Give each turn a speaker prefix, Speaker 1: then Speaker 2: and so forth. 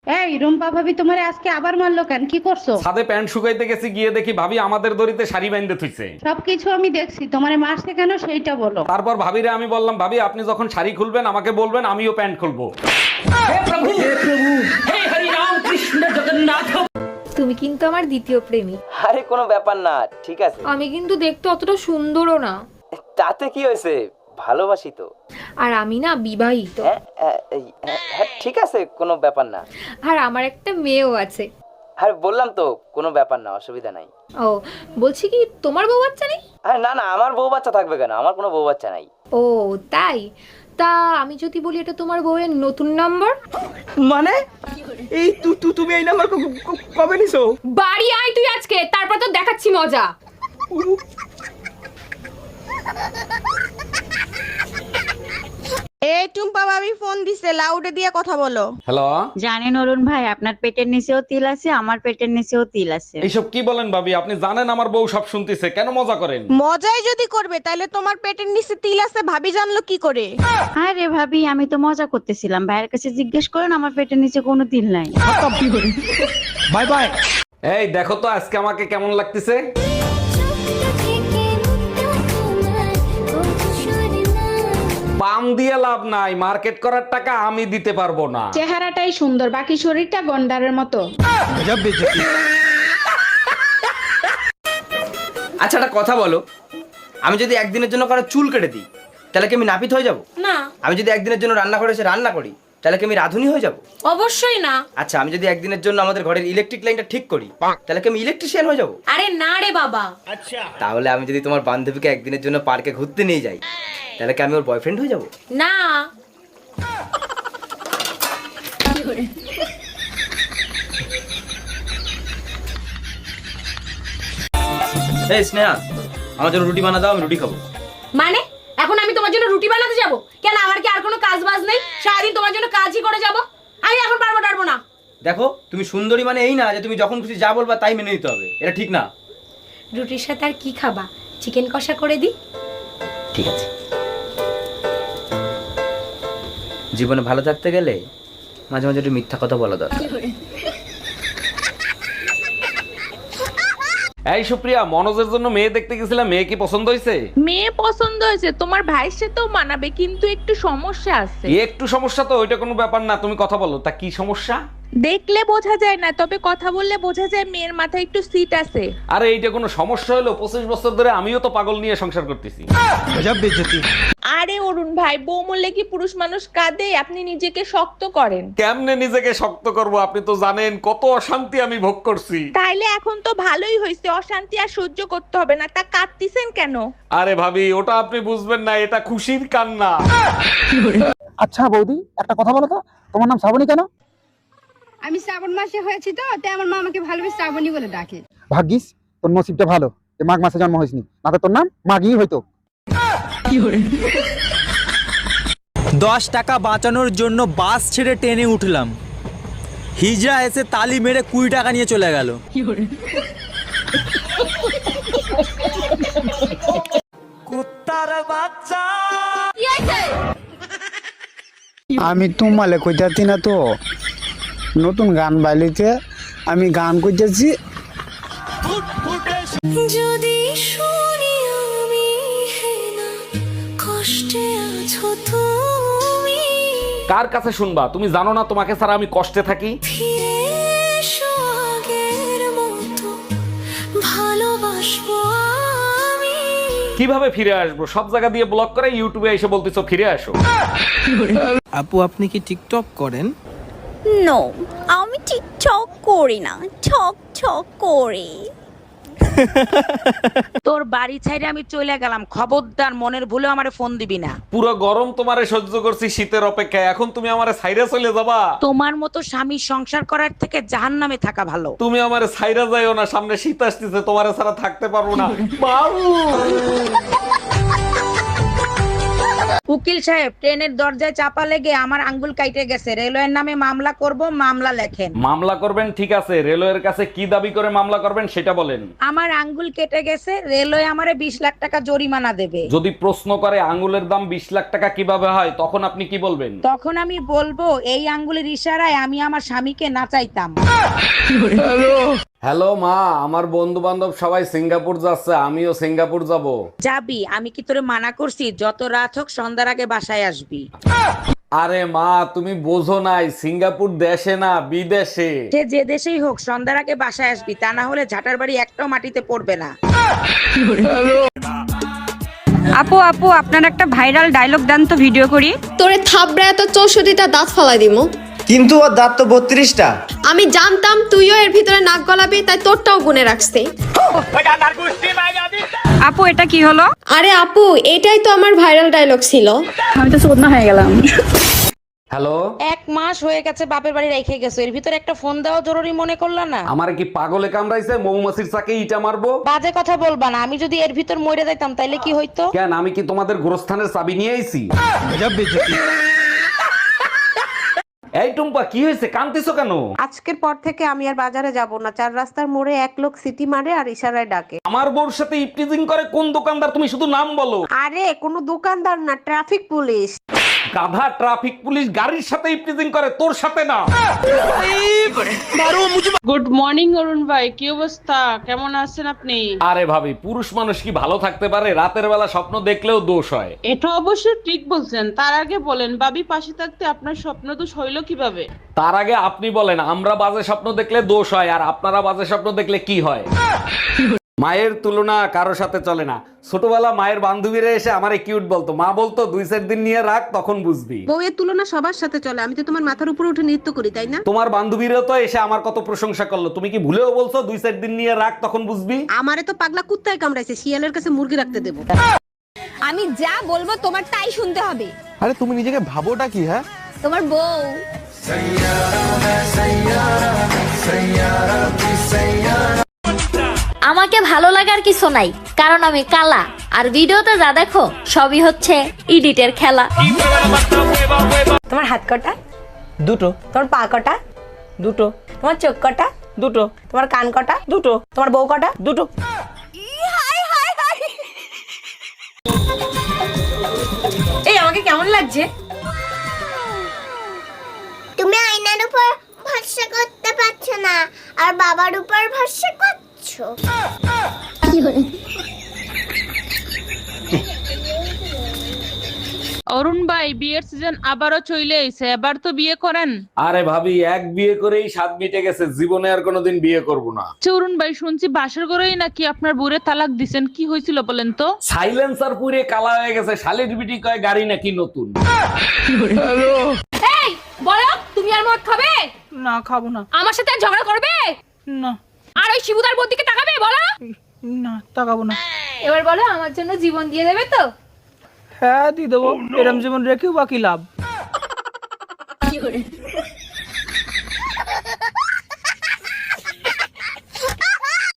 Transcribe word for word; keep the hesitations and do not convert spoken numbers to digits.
Speaker 1: এই রুম্পা ভাবি তোমারে আজকে আবার মারলো কেন? কি করছো?
Speaker 2: ছাদে প্যান্ট শুকাইতে গেছি, গিয়ে দেখি ভাবি আমাদের দড়িতে শাড়ি বাইন্ধে থুইছে।
Speaker 1: সবকিছু আমি দেখছি, তোমারে মারছে কেন সেইটা বলো।
Speaker 2: তারপর ভাবিরে আমি বললাম, ভাবি আপনি যখন শাড়ি খুলবেন আমাকে বলবেন, আমিও প্যান্ট খুলবো।
Speaker 3: তুমি কিন্তু আমার দ্বিতীয় প্রেমিক।
Speaker 4: আরে কোনো ব্যাপার না, ঠিক আছে।
Speaker 3: আমি কিন্তু দেখতে অতটা সুন্দরও না।
Speaker 4: তাতে কি হয়েছে, ভালোবাসি তো।
Speaker 3: আর আমি না বিবাহিত।
Speaker 4: হ্যাঁ, হ্যাঁ, এই, হ্যাঁ, হ্যাঁ, ঠিক আছে, কোনো ব্যাপার না।
Speaker 3: আর আমার একটা মেয়েও আছে।
Speaker 4: আর বললাম তো কোনো ব্যাপার না, অসুবিধা নাই।
Speaker 3: ও বলছি কি, তোমার বউ বাচ্চা নেই?
Speaker 4: আরে না না, আমার বউ বাচ্চা থাকবে কেন, আমার কোনো বউ বাচ্চা নাই।
Speaker 3: ও তাই? তা আমি যদি বলি এটা তোমার বউয়ের নতুন নাম্বার?
Speaker 5: মানে এই তু তু তুমি এই নাম্বার কবে নিছো?
Speaker 3: বাড়ি আয় তুই আজকে, তারপর তো দেখাচ্ছি মজা।
Speaker 6: এই টুম্পা ভাবি ফোন দিছে, লাউডে দিয়ে কথা বলো।
Speaker 2: হ্যালো,
Speaker 7: জানেন অরুণ ভাই, আপনার পেটের নিচেও তিল আছে, আমার পেটের নিচেও তিল আছে।
Speaker 2: এইসব কি বলেন ভাবি? আপনি জানেন আমার বউ সব শুনতেছে, কেন মজা করেন?
Speaker 6: মজাই যদি করবে তাহলে তোমার পেটের নিচে তিল আছে ভাবি জানলো কি করে?
Speaker 7: আরে ভাবি, আমি তো মজা করতেছিলাম, ভাইয়ের কাছে জিজ্ঞেস করেন, আমার পেটের নিচে কোনো তিল নাই।
Speaker 5: Bye bye.
Speaker 2: এই দেখো তো আজকে আমাকে কেমন লাগতেছে। পাম দিয়ে লাভ নাই, মার্কেট করার টাকা আমি দিতে পারবো না।
Speaker 1: চেহারাটাই সুন্দর, বাকি শরীরটা গন্ডারের মতো।
Speaker 4: আচ্ছা একটা কথা বলো, আমি যদি একদিনের জন্য কারো চুল কেটে দিই তাহলে কি আমি নাপিত হয়ে যাব?
Speaker 8: না,
Speaker 4: আমি যদি একদিনের জন্য রান্না করে এসে রান্না করি তাহলে কি আমি রাঁধুনি হয়ে যাব?
Speaker 8: অবশ্যই না।
Speaker 4: আচ্ছা আমি যদি একদিনের জন্য আমাদের ঘরের ইলেকট্রিক লাইনটা ঠিক করি তাহলে কি আমি ইলেকট্রিশিয়ান হয়ে যাব?
Speaker 8: আরে না রে বাবা।
Speaker 4: তাহলে আমি যদি তোমার বান্ধবীকে একদিনের জন্য পার্কে ঘুরতে নিয়ে যাই তাহলে কি আমি ওর বয়ফ্রেন্ড হয়ে যাব?
Speaker 8: না।
Speaker 4: এই স্নেহা, আমার জন্য রুটি বানা দাও, আমি রুটি খাবো।
Speaker 8: মানে এখন আমি তোমার জন্য রুটি বানাতে যাব? কেন, আমার কি আর কোনো কাজ বাজ নেই? সারাদিন তোমার জন্য কাজই করে যাব। আমি এখন পারবো পারবো না।
Speaker 4: দেখো, তুমি সুন্দরী মানে এই না যে তুমি যখন খুশি যা বলবা তাই মেনে নিতে হবে, এটা ঠিক না।
Speaker 8: রুটির সাথে আর কি খাবা? চিকেন কষা করে দিই?
Speaker 4: ঠিক আছে। জীবনে ভালো থাকতে গেলে মাঝে মাঝে একটু মিথ্যা কথা বলা দরকার।
Speaker 2: এই সুপ্রিয়া, মনোজের জন্য মেয়ে দেখতে গেছিলাম, মেয়ে কি পছন্দ হয়েছে?
Speaker 9: মেয়ে পছন্দ হয়েছে, তোমার ভাইয়ের সাথেও মানাবে, কিন্তু একটু সমস্যা আছে।
Speaker 2: একটু সমস্যা তো, ওইটা কোনো ব্যাপার না, তুমি কথা বলো। তা কি সমস্যা?
Speaker 9: দেখলে বোঝা যায় না, তবে কথা বললে বোঝা যায় মেয়ের মাথায় একটু সিট আছে।
Speaker 2: আরে এইটা কোনো সমস্যা হলো? পঁচিশ বছর ধরে আমিও তো পাগল নিয়ে সংসার করতেছি।
Speaker 9: আরে অরুণ ভাই, বউ মরলে কি পুরুষ মানুষ কাঁদে? আপনি নিজেকে শক্ত করেন।
Speaker 2: কেমনে নিজেকে শক্ত করব? আপনি তো জানেন কত অশান্তি আমি ভোগ করছি।
Speaker 9: তাইলে এখন তো ভালোই হয়েছে, অশান্তি আর সহ্য করতে হবে না। তা কাঁদতিছেন কেন?
Speaker 2: আরে ভাবি, ওটা আপনি বুঝবেন না, এটা খুশির কান্না।
Speaker 5: আচ্ছা বৌদি, একটা কথা বলো তো, তোমার নাম শ্রাবণী কেন?
Speaker 1: আমি শ্রাবণ মাসে হয়েছি তো, তাই আমার মা আমাকে ভালোবেসে শ্রাবণী বলে ডাকে।
Speaker 5: ভাগ্যিস তোর নসিবটা ভালো যে মাঘ মাসে জন্ম হয়েছিনি, না তো তোর নাম মাঘই হইতো।
Speaker 10: দশ টাকা বাঁচানোর জন্য বাস ছেড়ে ট্রেনে উঠলাম, হিজড়া এসে তালি মেরে কুড়ি টাকা নিয়ে চলে গেল। কুত্তার বাচ্চা।
Speaker 5: আমি তোমালে কইতাছি না তো, নতুন গান বাইলিতে আমি গান কইতেছি।
Speaker 8: যদি শুনি আমি কষ্টে আছো তুমি,
Speaker 2: কার কাছে শুনবা? তুমি জানো না তোমাকে ছাড়া আমি কষ্টে থাকি?
Speaker 8: ফিরে এসো আগের মতো, ভালোবাসবো আমি।
Speaker 2: কিভাবে ফিরে আসবো? সব জায়গা দিয়ে ব্লক করে ইউটিউবে এসে বলতেছো ফিরে আসো।
Speaker 10: আপু, আপনি কি টিকটক করেন?
Speaker 7: নো, আমি টিকটক করি না, ছক ছক করি।
Speaker 6: তোর বাড়ি ছাইরে আমি চলে গেলাম, খবরদার মনের ভুলে আমারে ফোন দিবি না।
Speaker 2: পুরো গরম তোমারে সহ্য করছি শীতের অপেক্ষায়, এখন তুমি আমারে ছাইরা চলে যাবা?
Speaker 6: তোমার মতো স্বামী সংসার করার থেকে জাহান্নামে থাকা ভালো।
Speaker 2: তুমি আমারে ছাইরা যাইও না, সামনে শীত আসতেছে, তোমারে ছাড়া থাকতে পারবো না। বাবু
Speaker 6: উকিল সাহেব, ট্রেনের দরজায় চাপা লেগে আমার আঙ্গুল কাইটে গেছে, রেলওয়ের নামে মামলা করব, মামলা লেখেন।
Speaker 2: মামলা করবেন ঠিক আছে, রেলওয়ের কাছে কি দাবি করে মামলা করবেন সেটা বলেন।
Speaker 6: আমার আঙ্গুল কেটে গেছে, রেলওয়ে আমারে বিশ লাখ টাকা জরিমানা দেবে।
Speaker 2: যদি প্রশ্ন করে আঙ্গুলের দাম বিশ লাখ টাকা কিভাবে হয়, তখন আপনি কি বলবেন?
Speaker 6: তখন আমি বলবো এই আঙ্গুলের ইশারায় আমি আমার স্বামীকে নাচাইতাম।
Speaker 2: হ্যালো মা, আমার বন্ধু বান্ধব সবাই সিঙ্গাপুর যাচ্ছে, আমিও সিঙ্গাপুর যাব।
Speaker 6: যাবি? আমি কি তোরে মানা করছি? যত রাত হোক সন্ধ্যার আগে বাসায় আসবি।
Speaker 2: আরে মা, তুমি বোঝো নাই, সিঙ্গাপুর দেশে না বিদেশে।
Speaker 6: সে যে দেশেই হোক সন্ধ্যার আগে বাসায় আসবি, তা না হলে ঝাঁটার বাড়ি একটাও মাটিতে পড়বে না।
Speaker 1: আপু আপু আপনার একটা ভাইরাল ডায়লগ দেন তো, ভিডিও করি।
Speaker 11: তোরে থাবড়ায় তো চৌষট্টিটা দাঁত ফালাই দিমু।
Speaker 4: কিন্তু ওর দাঁত তো বত্রিশটা।
Speaker 11: আমি জানতাম তুইও এর ভিতরে নাক গলাবি, তাই তোরটাও গুনে রাখছি।
Speaker 1: আপু এটা কি হলো?
Speaker 11: আরে আপু, এটাই তো আমার ভাইরাল ডায়লগ ছিল।
Speaker 1: আমি তো চোদনা হয়ে গেলাম।
Speaker 2: হ্যালো,
Speaker 6: এক মাস হয়ে গেছে বাপের বাড়ি রেখে গেছো, এর ভিতরে একটা ফোন দেওয়া জরুরি মনে করলা না?
Speaker 2: আমার কি পাগলে কামড়াইছে? মৌমাছির চাকে ইটা মারবো?
Speaker 6: বাজে কথা বলবা না, আমি যদি এর ভিতর মরে যাইতাম তাইলে কি হইতো?
Speaker 2: কেন, আমি কি তোমাদের গোরস্থানের চাবি নিয়ে আইছি? এই টুম্পা, কি হয়েছে, কাঁদতেছো কেন?
Speaker 8: আজকের পর থেকে আমি আর বাজারে যাব না। চার রাস্তার মোড়ে এক লোক সিটি মারে আর ইশারায় ডাকে।
Speaker 2: আমার বউর সাথে ইপটিজিং করে কোন দোকানদার? তুমি শুধু নাম বলো।
Speaker 8: আরে কোনো দোকানদার না, ট্রাফিক পুলিশ।
Speaker 2: গাধা, ট্রাফিক পুলিশ গাড়ির সাথে ইপটিজিং করে, তোর সাথে না।
Speaker 9: গুড মর্নিং অরুণ ভাই, কি অবস্থা, কেমন আছেন আপনি?
Speaker 2: আরে ভাবি, পুরুষ মানুষ কি ভালো থাকতে পারে? রাতের বেলা স্বপ্ন দেখলেও দোষ হয়।
Speaker 9: এটা অবশ্য ঠিক বলছেন। তার আগে বলেন, ভাবি পাশে থাকতে আপনার স্বপ্ন তো হইল কিভাবে?
Speaker 2: তার আগে আপনি বলেন, আমরা বাজে স্বপ্ন দেখলে দোষ হয়, আর আপনারা বাজে স্বপ্ন দেখলে কি হয়? মায়ের তুলনা কারো সাথে চলে না। ছোটবেলা মায়ের বান্ধবীরা এসে আমারে কিউট বলতো, মা বলতো দুই চার দিন নিয়ে রাখ, তখন বুঝবি।
Speaker 8: বউয়ের তুলনা সবার সাথে চলে, আমি তো তোমার মাথার উপরে উঠে নৃত্য করি, তাই না?
Speaker 2: তোমার বান্ধবীরা তো এসে আমার কত প্রশংসা করলো, তুমি কি ভুলেও বলছো দুই চার দিন নিয়ে রাখ, তখন বুঝবি?
Speaker 8: আমারে তো পাগলা কুত্তায় কামড়াইছে, শিয়ালের কাছে মুরগি রাখতে দেবো।
Speaker 7: আমি যা বলবো তোমার তাই শুনতে হবে।
Speaker 10: আরে তুমি নিজেকে ভাবোটা কি? হ্যাঁ,
Speaker 7: তোমার বউ। আমাকে ভালো লাগার কিছু নাই, কারণ আমি কালা, আর ভিডিওতে যা দেখো সবই হচ্ছে এডিটের খেলা।
Speaker 8: তোমার হাত কটা?
Speaker 4: দুটো।
Speaker 8: তোমার পা কটা?
Speaker 4: দুটো।
Speaker 8: তোমার চোখ কটা?
Speaker 4: দুটো।
Speaker 8: তোমার কান কটা?
Speaker 4: দুটো।
Speaker 8: তোমার বউ কটা?
Speaker 4: দুটো।
Speaker 8: এই আমাকে কেমন লাগছে?
Speaker 7: তুমি আয়নার উপর ভরসা করতে পারছো না, আর বাবার উপর ভরসা করছো।
Speaker 9: অরুণ ভাই, বিয়ের সিজন আবারও চলে এসে, এবার তো বিয়ে করেন।
Speaker 2: আরে ভাবি, এক বিয়ে করেই স্বাদ মিটে গেছে, জীবনে আর কোনোদিন বিয়ে করব না।
Speaker 9: অরুণ ভাই, শুনছি বাসর ঘরেই নাকি আপনার বুড়ে তালাক দিছেন, কি হয়েছিল বলেন তো?
Speaker 2: সাইলেন্সার পুরে কালা হয়ে গেছে, শালির বিটি কয় গাড়ি নাকি নতুন।
Speaker 3: এই বলো, তুমি আর মদ খাবে?
Speaker 9: না, খাবো না।
Speaker 3: আমার সাথে আর ঝগড়া করবে
Speaker 9: না।
Speaker 3: আর ওই শিবুদার বোন দিকে তাকাবে? বলো।
Speaker 9: না, তাকাবো না।
Speaker 3: এবার বলো, আমার জন্য জীবন দিয়ে দেবে তো?
Speaker 9: হ্যাঁ, দিয়ে দেবো। এরম জীবন রেখেও বাকি লাভ।